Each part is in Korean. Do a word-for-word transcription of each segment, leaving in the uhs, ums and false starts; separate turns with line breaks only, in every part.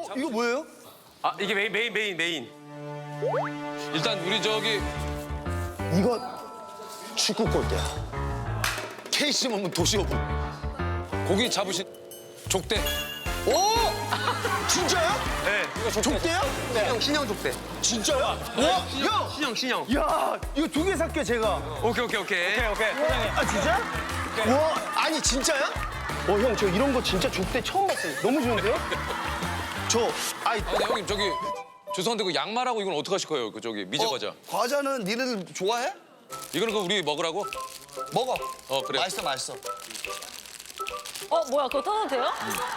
이거 뭐예요?
아 이게 메인 메인 메인 메인.
일단 우리 저기
이거 축구 골대야. 케이씨 먹는 도시오분.
고기 잡으신 족대.
오! 진짜요?
네.
이거 족대야?
신형 신형 족대.
진짜요? 와, 형!
신형 신형.
야, 이거 두 개 살게 제가.
오케이 오케이 오케이. 오케이 오케이.
아 진짜? 와, 아니 진짜야? 어, 형, 저 이런 거 진짜 족대 처음 봤어요. 너무 좋은데요? 저, 아이,
아, 근데 형님 저기 죄송한데 그 양말하고 이건 어떻게 하실 거예요? 그 저기 미제 과자.
과자는 니네들 좋아해?
이거는 그 우리 먹으라고?
먹어.
어 그래.
맛있어, 맛있어.
어 뭐야 그거 떠도 돼요?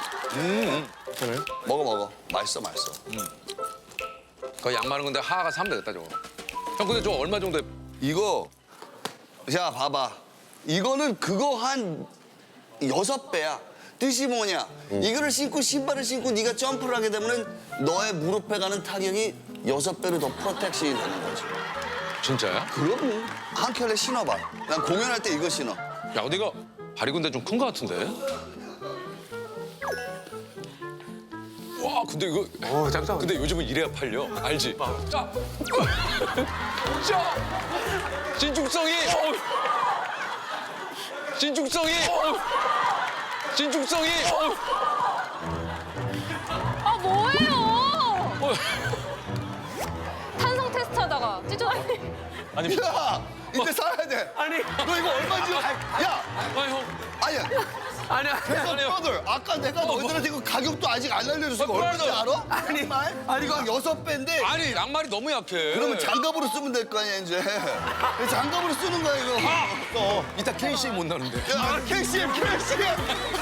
먹어, 먹어. 맛있어, 맛있어.
그 양말은 근데 하하가 사면 되겠다 저거. 형 근데 저 얼마 정도에?
이거, 자, 봐봐. 이거는 그거 한 여섯 배야. 뜻이 뭐냐? 이거를 신고 신발을 신고 네가 점프를 하게 되면은 너의 무릎에 가는 타격이 여섯 배로 더 프로텍션이 되는 거지.
진짜야?
그럼 한 켤레 신어봐. 난 공연할 때 이거 신어.
야 근데 이거 발이 근데 좀 큰 거 같은데? 와 근데 이거
오 짱짱.
근데 요즘은 이래야 팔려 알지? 자, 자, 진중성이, 진중성이, 진중성이.
아 뭐예요? 탄성 테스트 하다가 찢어.
야, 이제 살아야 돼.
아니
너 이거 얼마지? 야,
아 형,
아니야.
아니야.
그래서
아니요.
브라더, 아까 내가 너희들한테 이거 가격도 아직 안 알려줬어. 이거
어,
얼마인지
브라더.
알아? 아니, 말? 아니, 이거 여섯 배인데.
아니 양말이 너무 약해.
그러면 장갑으로 쓰면 될 거 아니야, 이제. 장갑으로 쓰는 거야, 이거. 어.
이따 케이씨 못 나는데.
야, 케이씨엠, 케이씨엠.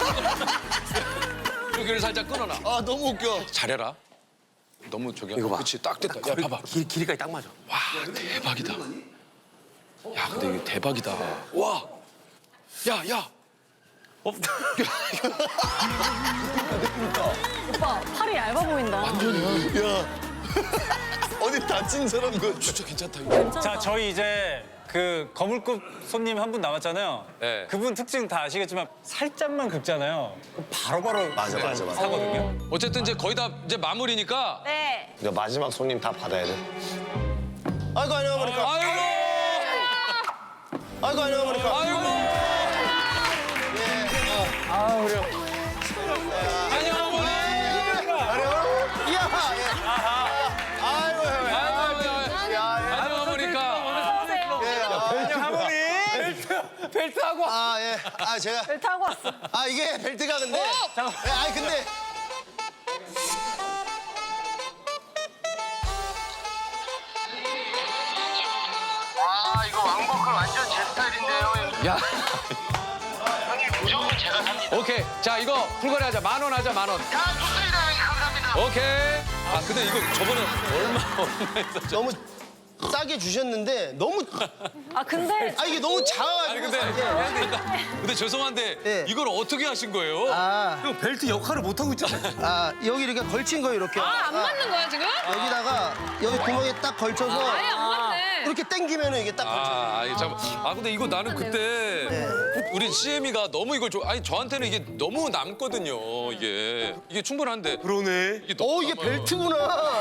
여기를 살짝 끊어놔.
아, 너무 웃겨.
잘해라. 너무 저기.
이거 봐.
그렇지 딱 됐다. 야 봐봐.
길 길이까지 딱 맞아.
와 대박이다. 야 근데 이게 대박이다. 와. 야 야.
오빠 팔이 얇아 보인다.
야. 어디 다친 사람 그
진짜 괜찮다 이거.
자, 저희 이제 그 거물급 손님 한 분 남았잖아요.
네.
그분 특징 다 아시겠지만 살짝만 긁잖아요. 그럼 바로바로
맞아, 맞아, 맞아.
사거든요.
어쨌든 이제 거의 다 이제 마무리니까.
네.
이제 마지막 손님 다 받아야 돼. 아이고, 안녕하십니까.
아이고.
아이고, 안녕하십니까.
아이고.
아, 우리
안녕 어머니.
이야, 예. 아이고, 형.
안녕 어머니까.
안녕 할머니. 벨트하고.
아, 예. 아, 제가.
벨트 하고 왔어.
아, 이게 벨트가 근데. 예, 아니, 근데.
아 이거 왕버클 완전 제 스타일인데요.
야.
형님 무조건 제가 삽니다.
오케이. 자 이거 풀거래 하자. 만 원 하자 만 원.
다 좋습니다 형님 감사합니다.
오케이. 아 근데 이거 저번에 얼마 얼마 했었죠?
너무 싸게 주셨는데 너무
아 근데
아 이게 너무 작아가지고
아니 근데
예.
근데 죄송한데
예.
이걸 어떻게 하신 거예요?
아,
형 벨트 역할을 못 하고 있잖아요.
아 여기 이렇게 걸친 거 이렇게
아 안 맞는 거야 지금?
여기다가 여기 구멍에 딱 걸쳐서
아예 안 맞네.
이렇게 당기면은 이게 딱 걸쳐.
아, 아니 잠. 아 근데 이거 나는 그때
네.
우리 씨엠이가 너무 이걸 좋아. 아니 저한테는 이게 너무 남거든요. 이게 이게 충분한데.
그러네.
이게 너무
어 이게
남아요.
벨트구나.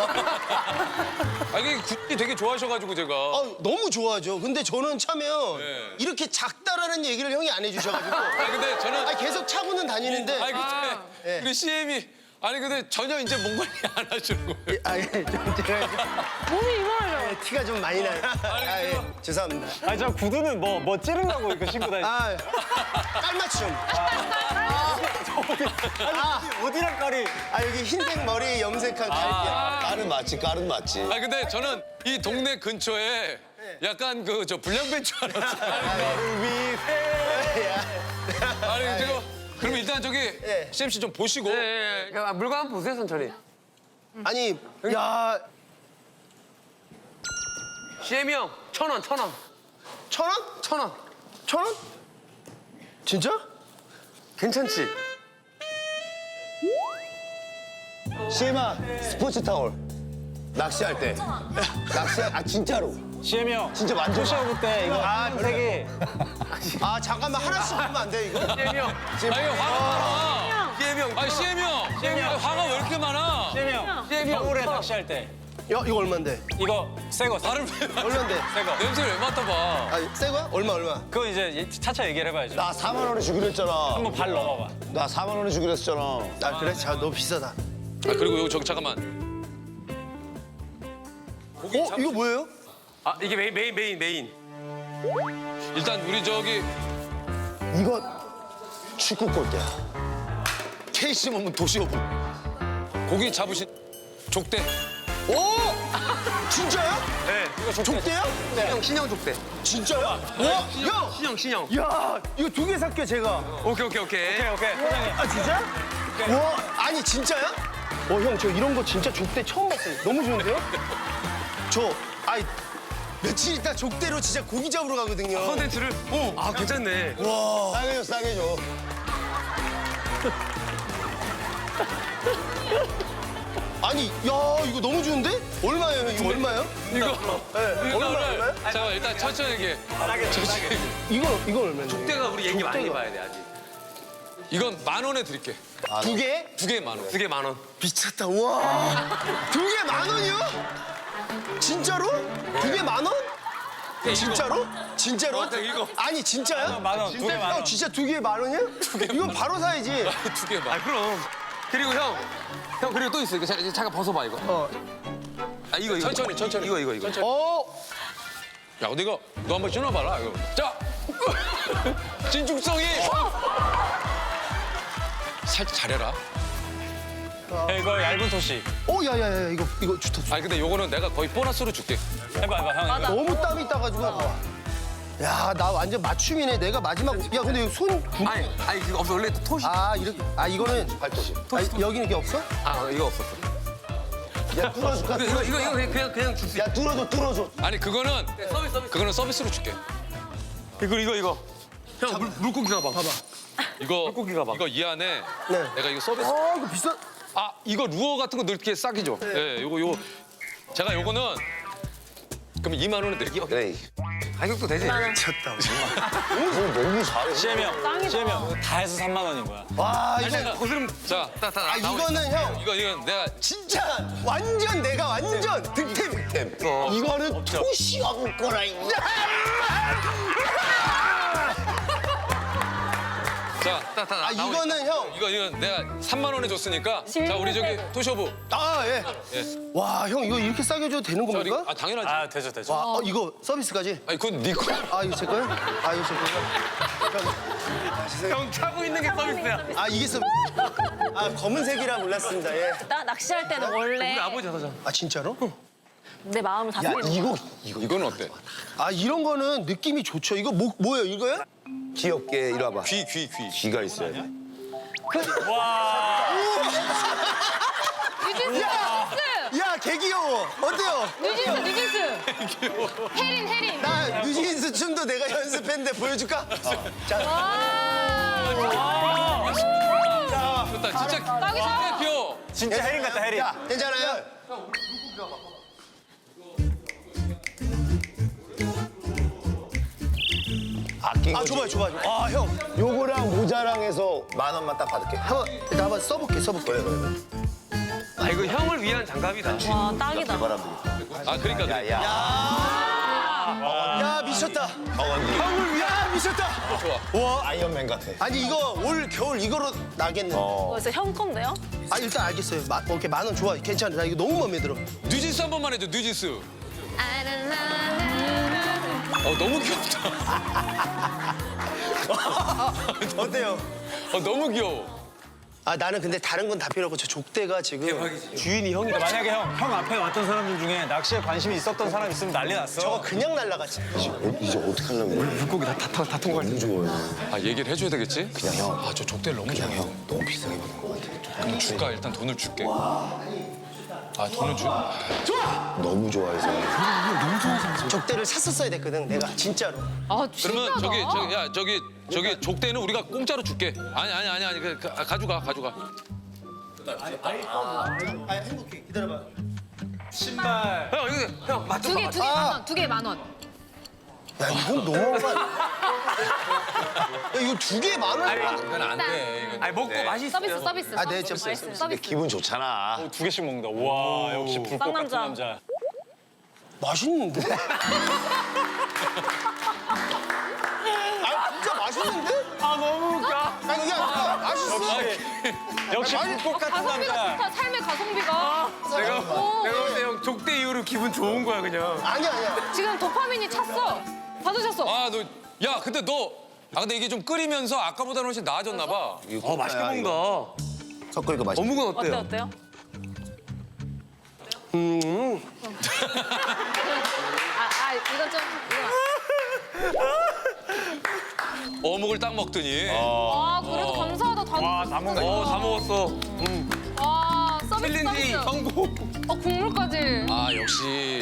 아 이게 굿이 되게 좋아하셔가지고 제가.
아, 너무 좋아하죠. 근데 저는 차면
네.
이렇게 작다라는 얘기를 형이 안 해주셔가지고
아 근데 저는.
아, 계속 차고는 다니는데
아니 근데
예.
우리 씨엠이 아니 근데 전혀 이제 뭔 관리 안 하시는 거예요.
아, 예, 좀 제가
몸이 이만하죠.
좀 티가 좀 많이 나요. 아, 예, 죄송합니다.
아니, 저 구두는 뭐, 뭐 찌르려고 이거 신고 다니
아, 깔맞춤. 아,
어디랑 깔이.
아 여기 흰색 머리 염색한 갈게.
깔은 맞지, 깔은 맞지.
아 근데 저는 이 동네 근처에 약간 그 저 불량배인 줄 알았어요. 아니 지금 그럼 일단 저기
예.
씨엠씨 좀 보시고.
예, 예. 아, 물건 한번 보세요 천천히.
아니, 야,
씨엠이 형 천 원, 천 원,
천 원?
천 원.
천 원? 진짜?
괜찮지?
시엠아, 스포츠 타월. 낚시할 때. 낚시할, 아, 진짜로.
씨엠이 형.
진짜 완전.
쇼부 때 이거
아,
색이.
아, 잠깐만 하나씩 주면 안 돼, 이거?
씨엠이 형,
아니 화가 많아.
씨엠이 형.
아니 씨엠이 형. 씨엠이 형 화가 왜 이렇게 많아?
씨엠이 형.
씨엠이 형.
겨울에
천 원.
낚시할 때
야 이거 얼마인데?
이거 새 거.
나를 왜 맡아?
얼마인데?
새 거.
냄새를 왜 맡아봐?
아, 새 거야? 얼마 얼마?
그거 이제 차차 얘기를 해봐야죠.
나 사만 원에 주기로 했잖아.
한번 발 넣어봐봐.
나 사만 원에 주기로 했잖아.
아 그래? 자 너무 비싸다.
아 그리고 여기 저기 잠깐만.
어 이거 뭐예요?
아 이게 메인 메인 메인 메인.
일단 우리 저기
이거 축구 골대야. 케이씨 먹으면 도시오분.
고기 잡으신 족대.
오! 진짜야?
네.
이거 족대.
족대야?
신형 신형 족대.
진짜야? 와, 형!
신형 신형.
야, 이거 두 개 살게요, 제가.
오케이 오케이 오케이.
오케이 오케이. 사장님.
아, 진짜? 와, 아니, 진짜야? 어, 형, 저 이런 거 진짜 족대 처음 봤어요. 너무 좋은데요? 저, 아이, 며칠 있다 족대로 진짜 고기 잡으러 가거든요.
컨텐츠를. 오. 아 괜찮네.
와.
싸게 줘, 싸게 줘.
아니, 야, 이거 너무 좋은데? 얼마예요, 형? 이거 얼마예요?
이거
네,
이거
얼마,
오늘
얼마요?
잠깐 일단 천천히 얘기해. 천천히. 얘기해.
이거, 이거 얼마인데?
족대가 우리 얘기 많이 봐야 돼 아직.
이건 만 원에 드릴게.
두 개?
두 개 만 원.
두 개 만 원.
미쳤다, 와. 두 개 만 원이요? 진짜로? 두 개 만 원? 진짜로? 진짜로?
맞아, 이거.
아니 진짜야?
만 원, 두개 만 원.
형 진짜 두 개에 만 원이야? 이건 바로 사야지.
두 개
아
만.
그럼. 그리고 형. 형 그리고 또 있어. 이거 잠깐, 잠깐 벗어봐 이거.
어.
아 이거 이거.
천천히, 천천히.
이거 이거 이거.
어?
야, 근데 이거 너 한번 신어봐라. 이거. 자, 진중성이. 살짝 잘해라.
야, 이거 얇은 토시.
어, 야야야 이거 이거 좋다. 좋다.
아니 근데 요거는 내가 거의 보너스로 줄게.
해봐 해봐 형. 이거.
너무 땀이 따가지고. 야, 나 완전 맞춤이네. 내가 마지막. 야, 근데 이거 손. 구...
아니 아니 이거 없어. 원래 토시.
아, 이렇게. 아, 이거는.
팔도시.
아, 여기는 이게 없어?
아 이거 없었어.
야, 뚫어줄까?
이거 이거 이거 그냥 그냥 그냥 줄 수.
야, 뚫어줘, 뚫어줘.
아니 그거는
서비스 서비스.
그거는 서비스로 줄게.
이거 이거 이거. 형 물, 물고기 가방. 봐봐.
이거
물고기 가방.
이거 이 안에
네.
내가 이거 서비스.
어, 이거 비싸.
아 이거 루어 같은 거 넣게 싹이죠. 네. 요거 요거 제가 요거는 그럼 이만 원에 드릴게요.
그래.
가격도 되지.
미쳤다.
너 너무 잘해.
씨엠 형. 씨엠 형. 다 해서 삼만 원인 거야.
와, 이거.
자,
거스름.
자,
다, 다,
아, 이거는 형.
이거 이거 내가
진짜 완전 내가 완전 득템.
템.
어.
이거는
토시 없을 거라. 이
자,
다, 다,
아,
나오니까.
이거는 형.
이거 이거 내가 삼만 원에 줬으니까 자 우리 저기 토쇼부
아, 예.
예.
와, 형 이거 이렇게 싸게 줘도 되는
저리
겁니까?
아 당연하지.
아 되죠 되죠.
와, 어, 이거 서비스까지?
아니 그건 네 거.
아, 이거 제 거요? 아, 이거 제 거요?
형 차고 있는 게 서비스야.
아, 이게 서비스. 아, 검은색이라 몰랐습니다. 예.
나 낚시할 때는 원래
우리 아버지 하자.
아, 진짜로?
내 마음을
야,
다스리는
이거
이거 이거는 어때?
아, 이런 거는 느낌이 좋죠. 이거 뭐, 뭐예요, 이거요?
귀엽게 이리 와봐.
귀 귀 귀.
귀가 있어야 돼.
뉴진스!
야, 개 귀여워. 어때요?
뉴진스! 뉴진스! 혜린 혜린!
나 뉴진스 춤도 내가 연습했는데 보여줄까? 자,
좋다 진짜
딱이다.
귀여워.
진짜 혜린 같다 혜린.
야, 괜찮아요?
아낀
아,
거지.
줘봐요, 줘봐요. 아, 형.
요거랑 모자랑 해서 만 원만 딱 받을게.
한번, 나 한번 써볼게, 써볼게.
그래, 그래, 그래.
아 이거 형을 위한 장갑이다.
와 딱이다.
바람
아 그러니까
야, 야.
야, 미쳤다.
어원기.
형을 위한 미쳤다.
좋아.
와.
아이언맨 같아.
아니, 이거 올 겨울 이거로 나겠네.
어.
그래서 형 건데요?
아, 일단 알겠어요. 마, 오케이, 만 원 좋아. 괜찮아. 나 이거 너무 마음에 들어.
뉴진스 한 번만 해줘 뉴진스. 어 너무 귀엽다.
어때요?
어 너무 귀여워.
아, 나는 근데 다른 건 다 필요 없고 저 족대가 지금 주인이 형이
그러니까 만약에 형, 형 앞에 왔던 사람들 중에 낚시에 관심이 있었던 사람 있으면 난리 났어.
저거 그냥 날라갔지.
어, 이제 어떻게 하려고 그래?
물고기 다다 통과할
너무 좋아해.
아 얘기를 해줘야 되겠지?
그냥 형.
아 저 족대를 너무
그냥
좋아해.
형 너무 비싸게 받은 것 같아.
그럼 줄까 일단 돈을 줄게. 아 돈을 줄.
너무 좋아해서.
족대를 샀었어야 됐거든, 내가 진짜로.
아
그러면
신기하다.
저기 저기 야 저기 저기 족대는 우리가 공짜로 줄게. 아니 아니 아니 아니 그, 그, 아, 가져가 가져가.
아, 행복해. 기다려봐.
신발.
형 이거 형 맞춰.
두 개 두 개 만 원. 두 개 만 원.
야 이건 너무한 거 아니야? 야 이거 두 개에 만 원?
이건 안 돼. 이건
아니 먹고
네.
맛있어.
서비스 서비스.
아, 네,
서비스,
좀
서비스,
근데
서비스.
기분 좋잖아.
두 개씩 먹는다. 와 역시 불꽃 같은
쌍남자.
남자.
맛있는데? 아 진짜 맛있는데?
아 너무 웃겨.
아니 이게 아니라 맛있어.
역시
아니,
불꽃 같은
가성비가
남자.
좋다. 삶의 가성비가.
내가
오.
내가 볼 때 형 족대 이후로 기분 좋은 거야 그냥.
아니야 아니야.
지금 도파민이 찼어. 받으셨어.
아 너 야 근데 너 아 근데 이게 좀 끓이면서 아까보다는 훨씬 나아졌나 봐.
어 맛있게 먹는다.
섞으니까 맛있어.
어묵은
어때
어때요?
어때요? 아, 아 이건 좀 이건.
어묵을 딱 먹더니.
아 그래도 감사하다. 다
와다 먹네.
어 다 먹었어.
와 서비스
챌린지
서비스.
성공.
어 국물까지.
아 역시.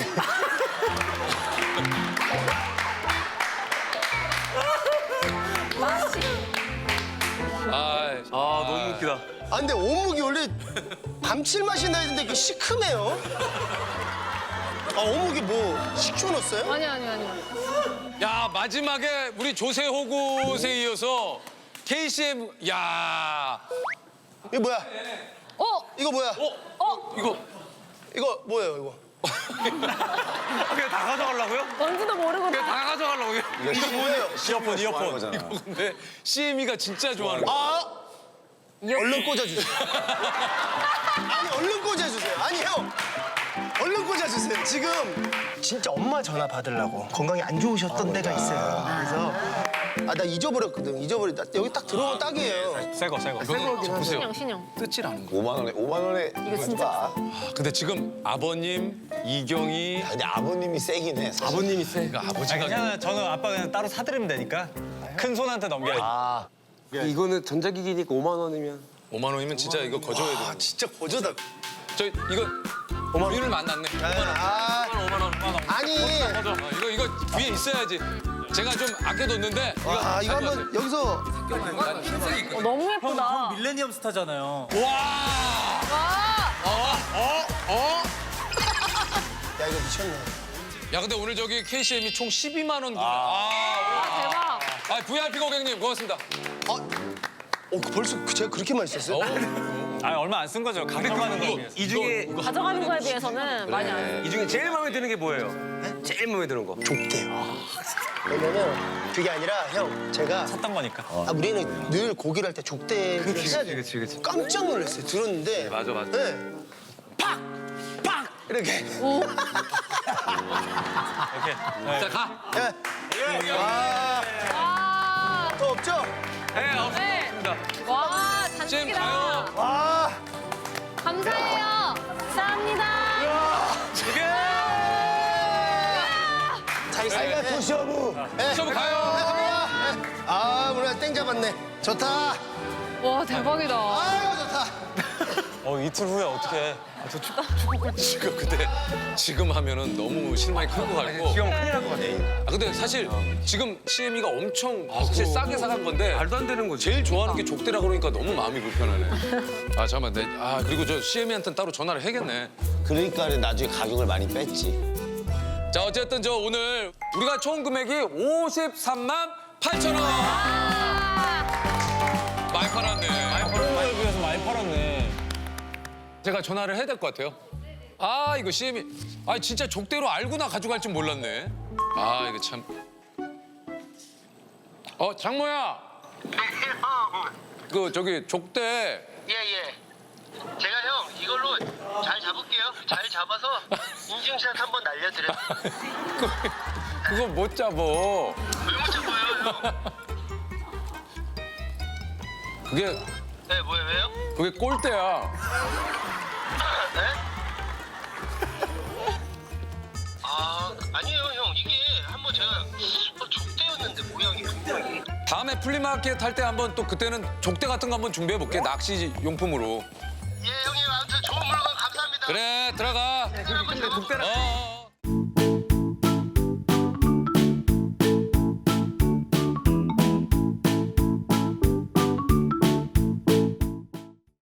맛이.
아,
아 너무 웃기다.
아 근데 어묵이 원래 감칠맛이 나야 되는데 그 시큼해요. 아 어묵이 뭐 식초 넣었어요?
아니 아니 아니.
야 마지막에 우리 조세호굿에 이어서 케이씨엠 야.
이거 뭐야?
어?
이거 뭐야?
어?
이거
이거 뭐예요 이거?
그냥 다 가져가려고요?
뭔지도 모르고
그냥 다 가져가려고.
이거 뭐예요?
이어폰 이어폰.
거잖아.
근데 씨엠이가 진짜 좋아하는 거.
아 얼른 꽂아주세요. 아니 얼른 꽂아주세요. 아니 형 얼른 꽂아주세요. 지금 진짜 엄마 전화 받으려고 건강이 안 좋으셨던 데가 있어요. 그래서 아 나 잊어버렸거든. 잊어버렸. 나 여기 딱 들어오면 딱이에요.
새거 새거.
이거는 좀 보세요.
신영 신영.
뜯질 않은 거.
오만 원에 오만 원에 이거
진짜
근데 지금 아버님 이경이
야, 근데 아버님이 세긴 해. 사실.
아버님이 세. 그러니까
아,
아버지가
그냥 저는 아빠 그냥 따로 사드리면 되니까 큰 손한테 넘겨야지.
아,
이거는 전자기기니까 오만 원이면.
오만 원이면 진짜 이거 거저야 돼.
아 진짜 거저다.
저 이거 우리를 만났네.
아
오만 원, 오만 원.
아니
어, 이거 이거 위에 있어야지. 제가 좀 아껴뒀는데.
와 이거 한번 여기서
흰색이 있거든.
어, 너무 예쁘다.
밀레니엄 스타잖아요.
와.
와.
야 이거 미쳤네.
야 근데 오늘 저기 케이씨엠이 총 십이만 원. 아.
대박.
아 브이아이피 고객님 고맙습니다.
어 벌써 제가 그렇게 많이 썼어요?
아 얼마 안 쓴 거죠. 가져가는 거.
이 중에
가져가는 거에 비해서는 많이 안.
이 중에 제일 마음에 드는 게 뭐예요? 제일 마음에 드는 거.
좁대요. 왜냐면 그게 아니라 형 제가
샀던 거니까.
아, 우리는 늘 고기를 할 때 족대를 해야 돼.
그치, 그치.
깜짝 놀랐어요. 들었는데.
맞아, 맞아.
네. 팍! 팍! 이렇게.
이렇게. 네.
자 가.
예. 와,
와.
더 없죠?
네
네.
없습니다.
와
쌤
잔뜩이다.
가요.
와.
감사해요. 감사합니다.
잘 있어요.
토시어부.
네.
시험 가요.
아, 오늘 땡 잡았네. 좋다.
와 대박이다.
아유, 좋다.
어 이틀 후에 어떻게?
지금 근데 지금 하면은 너무 실망이 클 것 같고.
지금 큰일 날 것 같아.
아 근데 사실 지금 씨엠이가 엄청 사실 싸게 사간 건데
말도 안 되는 거지.
제일 좋아하는 게 족대라 그러니까 너무 마음이 불편하네. 아 잠깐만, 내, 아 그리고 저 씨엠이한테는 따로 전화를 해야겠네.
그러니까 나중에 가격을 많이 뺐지.
자 어쨌든 저 오늘 우리가 총 금액이 오십삼만 팔천 원. 많이 팔았네.
코로나에 비해서 많이 팔았네.
제가 전화를 해야 될 것 같아요. 아 이거 씨엠이 아 진짜 족대로 알고나 가져갈 줄 몰랐네. 아 이거 참. 어 장모야. 그 저기 족대.
예예. 제가 형 이걸로 잘 잡을게요. 잘 잡아서 인증샷 한번 날려드려요.
그, 그거 못 잡어.
왜 못 잡아요, 형?
그게
네, 뭐예요, 왜요?
그게 꼴대야.
네? 아, 아니에요, 형. 이게 한번 제가 어, 족대였는데 모양이 분명히.
다음에 플리마켓 할 때 한번 또 그때는 족대 같은 거 한번 준비해 볼게. 낚시 용품으로.
예, 형님 아무튼 좋은 물건 감사합니다.
그래 들어가.
근데
어. 어.